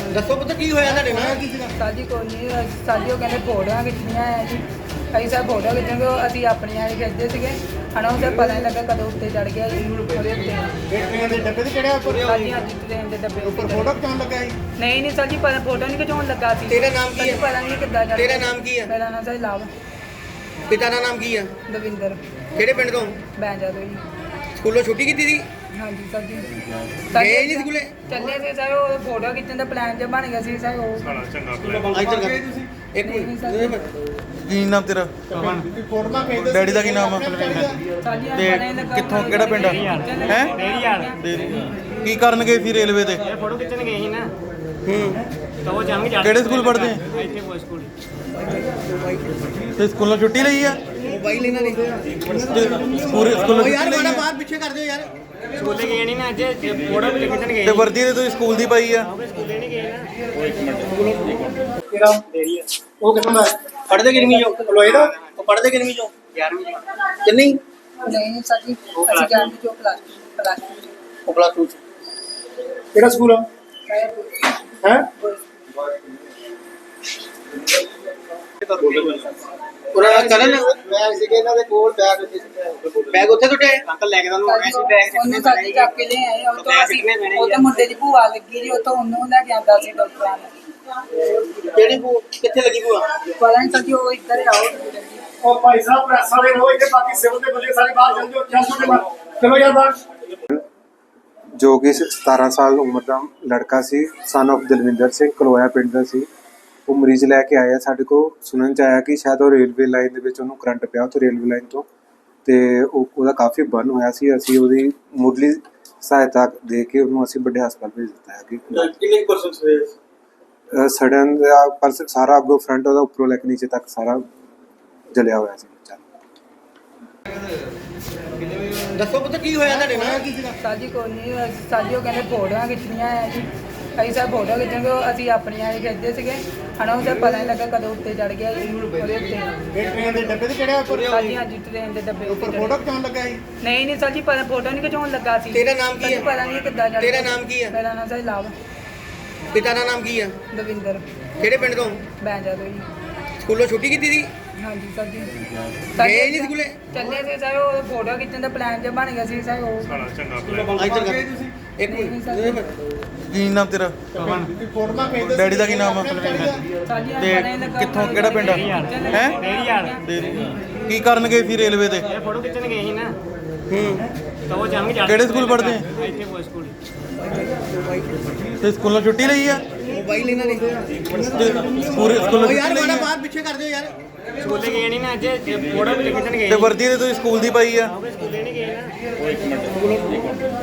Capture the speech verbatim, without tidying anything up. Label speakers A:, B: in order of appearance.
A: ਦੱਸੋ ਪੁੱਤ ਕੀ ਹੋਇਆ ਤੁਹਾਡੇ ਨਾਲ?
B: ਸਾਡੀ ਕੋਈ ਨਹੀਂ ਸਾਡੀ ਉਹ ਕਹਿੰਦੇ ਫੋਟੋਆਂ ਖਿੱਚਣੀਆਂ ਆ ਜੀ। ਅਸੀਂ ਸਭ ਫੋਟੋ ਖਿੱਚਾਂਗੇ, ਉਹ ਅਸੀਂ ਆਪਣੀਆਂ ਹੀ ਖਿੱਚਦੇ ਸੀਗੇ। ਹਨਾ ਉਹ ਪਤਾ ਨਹੀਂ ਲੱਗਾ ਕਦੋਂ ਉੱਤੇ ਚੜ ਗਿਆ ਜੀ ਉਹਦੇ ਉੱਤੇ।
A: ਟ੍ਰੇਨ ਦੇ ਡੱਬੇ ਤੇ ਚੜਿਆ ਉੱਪਰ?
B: ਹਾਂਜੀ ਹਾਂਜੀ ਟ੍ਰੇਨ ਦੇ ਡੱਬੇ
A: ਉੱਪਰ ਫੋਟੋ ਖਿਚਾਉਣ ਲੱਗਾ ਸੀ?
B: ਨਹੀਂ ਨਹੀਂ ਸਰ ਜੀ ਪਤਾ ਫੋਟੋ ਨਹੀਂ ਖਿਚਾਉਣ ਲੱਗਾ ਸੀ।
A: ਤੇਰਾ ਨਾਮ ਕੀ ਹੈ?
B: ਪਤਾ ਨਹੀਂ ਕਿੱਦਾਂ ਚੜ
A: ਤੇਰਾ ਨਾਮ ਕੀ ਹੈ?
B: ਮੇਰਾ ਨਾਮ ਸਰ ਲਾਭ
A: ਪਿਤਾ ਦਾ ਨਾਮ ਕੀ ਹੈ?
B: ਦਵਿੰਦਰ
A: ਕਿਹੜੇ ਪਿੰਡ ਤੋਂ?
B: ਬੈਂਜਾ ਤੋਂ ਜੀ।
A: ਸਕੂਲੋਂ ਛੁੱਟੀ ਕੀਤੀ ਸੀ?
B: ਹਾਂਜੀ ਸਰ ਜੀ
A: ਗਏ ਨਹੀਂ ਸਕੂਲੇ?
B: ਚੱਲੇ ਸੀ ਸਰ, ਉਹ ਫੋਟੋ ਖਿੱਚਣ ਦਾ ਪਲਾਨ ਜਿਹਾ ਬਣ ਗਿਆ ਸੀ ਸਰ। ਉਹ
A: ਇੱਧਰ ਕਰ ਇੱਕ
B: ਨਹੀਂ
A: ਮਿੰਟ
B: ਸਰ
C: ਕੀ ਨਾਮ ਤੇਰਾ?
A: ਫੋਟੋਆਂ ਭੇਜਦੇ
C: ਡੈਡੀ ਦਾ ਕੀ ਨਾਮ ਆ?
B: ਸਾਡੀ
C: ਤੇ
B: ਪਤਾ ਨਹੀਂ ਲੱਗਾ
C: ਕਿੱਥੋਂ ਕਿਹੜਾ ਪਿੰਡ ਆ? ਹੈ
D: ਡੇਰੀ ਵਾਲ
C: ਕੀ ਕਰਨ ਗਏ ਸੀ ਰੇਲਵੇ ਤੇ?
D: ਇਹ ਫੋਟੋ ਖਿੱਚਣ ਗਏ ਸੀ ਨਾ,
A: ਹੂੰ
D: ਤਾਂ ਉਹ ਜਾਣਗੇ ਜਾ
C: ਕਿਹੜੇ ਸਕੂਲ ਪੜ੍ਹਦੇ?
D: ਇੱਥੇ ਕੋਈ ਸਕੂਲ
C: ਤੇ ਸਕੂਲੋਂ ਛੁੱਟੀ ਲਈ ਆ?
A: ਮੋਬਾਈਲ ਇਹਨਾਂ ਨੇ
C: ਪੂਰੇ ਸਕੂਲੋਂ
A: ਓ ਯਾਰ
C: ਛੁੱਟੀ ਲਈ
A: ਮਾੜਾ
C: ਆ?
A: ਬਾਹਰ ਪਿੱਛੇ ਕਰ ਦਿਓ ਯਾਰ।
D: ਸਕੂਲੇ ਗਏ ਨਹੀਂ ਨਾ ਅੱਜ, ਫੋਟੋ ਖਿੱਚਣ ਗਏ
C: ਤੇ ਵਰਦੀ ਤੇ ਤੁਸੀਂ ਸਕੂਲ ਦੀ ਪਾਈ ਆ?
D: ਸਕੂਲੇ ਨਹੀਂ ਗਏ ਨਾ।
A: ਕਿਹੜਾ ਡੇਰੀ ਆ? ਉਹ ਕਿੱਥੋਂ ਦਾ? ਪੜ੍ਹਦੇ ਕਿੰਨੀ ਚੋਂ? ਲੋਏ ਦਾ? ਉਹ ਪੜ੍ਹਦੇ ਕਿੰਨੀ ਚੋਂ?
D: ਗਿਆਰਵੀਂ
A: ਕਿੰਨੀ?
B: ਨਹੀਂ ਸਰ ਜੀ ਅਸੀਂ ਜਾਣਦੇ ਜੋ ਪਲਾਸ ਪਲਾਸ
A: ਉਹ ਪਲੱਸ ਟੂ ਚ। ਕਿਹੜਾ ਸਕੂਲ ਆ? ਹੈ ਉਹਨਾਂ ਕਰਨ ਬੈਗ ਸੀਗੇ ਇਹਨਾਂ ਦੇ ਕੋਲ, ਬੈਗ ਉੱਥੇ ਬੈਗ ਉੱਥੇ ਟੁੱਟੇ?
D: ਅੰਕਲ ਲੈ ਕੇ ਤੁਹਾਨੂੰ ਆਉਣਾ ਸੀ ਬੈਗ
B: ਉਹਨੇ ਸਾਡੀ ਚੱਕ ਕੇ ਲੈ ਆਏ। ਉਹ ਤੋਂ ਅਸੀਂ ਉਹ ਤਾਂ ਮੁੰਡੇ ਦੀ ਭੂਆ ਲੱਗੀ ਜੀ, ਉਹ ਤੋਂ ਉਹਨੂੰ ਲੈ ਕੇ ਆਂਦਾ ਸੀ ਡਾਕਟਰਾਂ ਨੇ।
A: ਕਿਹੜੀ ਭੂ ਕਿੱਥੇ ਲੱਗੀ ਭੂਆ?
B: ਪਤਾ ਨਹੀਂ ਸਰ ਜੀ ਉਹ ਇੱਧਰ ਆਓ।
E: ਉਹ ਭਾਈ ਸਾਹਿਬ ਪ੍ਰੈਸ ਵਾਲੇ ਰੋ ਇੱਥੇ, ਬਾਕੀ ਸਿਵਲ ਦੇ ਬੰਦੇ ਸਾਰੇ ਬਾਹਰ ਚੱਲ ਜਾਓ। ਚੱਲ ਜਾਓ ਬਾਹਰ, ਚਲੋ ਯਾਰ ਬਾਹਰ।
F: ਜੋ ਕਿ ਸਤਾਰਾਂ ਸਾਲ ਉਮਰ ਦਾ ਲੜਕਾ ਸੀ, ਸਨ of ਦਲਵਿੰਦਰ ਸਿੰਘ, ਕਲੋਇਆ ਪਿੰਡ ਦਾ ਸੀ। ਉਹ ਮਰੀਜ਼ ਲੈ ਕੇ ਆਇਆ ਸਾਡੇ ਕੋਲ। ਸੁਣਨ ਚ ਆਇਆ ਕਿ ਸ਼ਾਇਦ ਉਹ ਰੇਲਵੇ ਲਾਈਨ ਦੇ ਵਿੱਚ ਉਹਨੂੰ ਕਰੰਟ ਪਿਆ ਉੱਥੇ ਰੇਲਵੇ ਲਾਈਨ ਤੋਂ, ਤੇ ਉਹ ਉਹਦਾ ਕਾਫੀ ਬਰਨ ਹੋਇਆ ਸੀ। ਅਸੀਂ ਉਹਦੀ ਮੁੱਢਲੀ ਸਹਾਇਤਾ ਦੇ ਕੇ ਉਹਨੂੰ ਅਸੀਂ ਵੱਡੇ ਹਸਪਤਾਲ ਭੇਜ ਦਿੱਤਾ ਹੈ। ਕਿ
A: ਕਿੰਨੇ ਪਰਸੈਂਟ ਹੋਏ?
F: ਸੜਨ ਦਾ ਪਰਸਨ ਸਾਰਾ ਅੱਗੋਂ ਫਰੰਟ ਉਹਦਾ ਉੱਪਰੋਂ ਲੈ ਕੇ ਨੀਚੇ ਤੱਕ ਸਾਰਾ ਜਲਿਆ ਹੋਇਆ ਸੀ ਬੱਚਾ।
A: ਦੱਸੋ ਪੁੱਤ ਕੀ ਹੋਇਆ ਤੁਹਾਡੇ ਨਾਲ?
B: ਸਾਡੀ ਕੋਈ ਨਹੀਂ ਸਾਡੀ ਉਹ ਕਹਿੰਦੇ ਫੋਟੋਆਂ ਖਿੱਚਣੀਆਂ ਆ ਜੀ। ਅਸੀਂ ਸਭ ਫੋਟੋ ਖਿੱਚਾਂਗੇ, ਉਹ ਅਸੀਂ ਆਪਣੀਆਂ ਹੀ ਖਿੱਚਦੇ ਸੀਗੇ। ਹਨਾ ਉਹ ਪਤਾ ਨਹੀਂ ਲੱਗਾ ਕਦੋਂ ਉੱਤੇ ਚੜ ਗਿਆ ਜੀ ਉਹਦੇ ਉੱਤੇ।
A: ਟ੍ਰੇਨ ਦੇ ਡੱਬੇ ਤੇ ਚੜਿਆ ਉੱਪਰ?
B: ਹਾਂਜੀ ਹਾਂਜੀ ਟ੍ਰੇਨ ਦੇ ਡੱਬੇ ਉੱਤੇ
A: ਉੱਪਰ ਫੋਟੋ ਖਿਚਾਉਣ ਲੱਗਾ ਸੀ?
B: ਨਹੀਂ ਨਹੀਂ ਸਰ ਜੀ ਪਤਾ ਫੋਟੋ ਨਹੀਂ ਖਿਚਾਉਣ ਲੱਗਾ ਸੀ।
A: ਤੇਰਾ ਨਾਮ ਕੀ ਹੈ?
B: ਪਤਾ ਨਹੀਂ ਕਿੱਦਾਂ ਚੜ
A: ਤੇਰਾ ਨਾਮ ਕੀ ਹੈ?
B: ਮੇਰਾ ਨਾਮ ਸਰ ਲਾਭ
A: ਪਿਤਾ ਦਾ ਨਾਮ ਕੀ ਹੈ?
B: ਦਵਿੰਦਰ
A: ਕਿਹੜੇ ਪਿੰਡ ਤੋਂ?
B: ਬੈਂਜਾ ਤੋਂ ਜੀ।
A: ਸਕੂਲੋਂ ਛੁੱਟੀ ਕੀਤੀ ਸੀ?
B: ਹਾਂਜੀ ਸਰ ਜੀ
A: ਗਏ ਨਹੀਂ ਸਕੂਲੇ?
B: ਚੱਲੇ ਸੀ ਸਰ, ਉਹ ਫੋਟੋ ਖਿੱਚਣ ਦਾ ਪਲਾਨ ਜਿਹਾ ਬਣ ਗਿਆ ਸੀ ਸਰ। ਉਹ
A: ਇੱਧਰ ਕਰ ਇੱਕ
B: ਨਹੀਂ
A: ਮਿੰਟ
B: ਸਰ
C: ਕੀ ਨਾਮ ਤੇਰਾ?
A: ਫੋਟੋਆਂ ਭੇਜਦੇ
C: ਡੈਡੀ ਦਾ ਕੀ ਨਾਮ ਆ?
B: ਸਾਡੀ
C: ਤੇ
B: ਪਤਾ ਨਹੀਂ ਲੱਗਾ
C: ਕਿੱਥੋਂ ਕਿਹੜਾ ਪਿੰਡ ਆ? ਹੈ
D: ਡੇਰੀ ਵਾਲ
C: ਕੀ ਕਰਨ ਗਏ ਸੀ ਰੇਲਵੇ ਤੇ?
D: ਇਹ ਫੋਟੋ ਖਿੱਚਣ ਗਏ ਸੀ ਨਾ,
A: ਹੂੰ
D: ਤਾਂ ਉਹ ਜਾਣਗੇ ਜਾ
C: ਕਿਹੜੇ ਸਕੂਲ ਪੜ੍ਹਦੇ?
D: ਇੱਥੇ ਕੋਈ ਸਕੂਲ
C: ਤੇ ਸਕੂਲੋਂ ਛੁੱਟੀ ਲਈ ਆ?
A: ਮੋਬਾਈਲ ਇਹਨਾਂ ਨੇ
C: ਤੇ ਪੂਰੇ ਸਕੂਲੋਂ
A: ਓ ਯਾਰ
C: ਛੁੱਟੀ ਲਈ
A: ਮਾੜਾ
C: ਆ?
A: ਬਾਹਰ ਪਿੱਛੇ ਕਰ ਦਿਓ ਯਾਰ।
D: ਸਕੂਲੇ ਗਏ ਨਹੀਂ ਨਾ ਅੱਜ, ਫੋਟੋ ਖਿੱਚਣ ਗਏ
C: ਤੇ ਵਰਦੀ ਤੇ ਤੁਸੀਂ ਸਕੂਲ ਦੀ ਪਾਈ ਆ?
D: ਸਕੂਲੇ ਨਹੀਂ ਗਏ ਨਾ।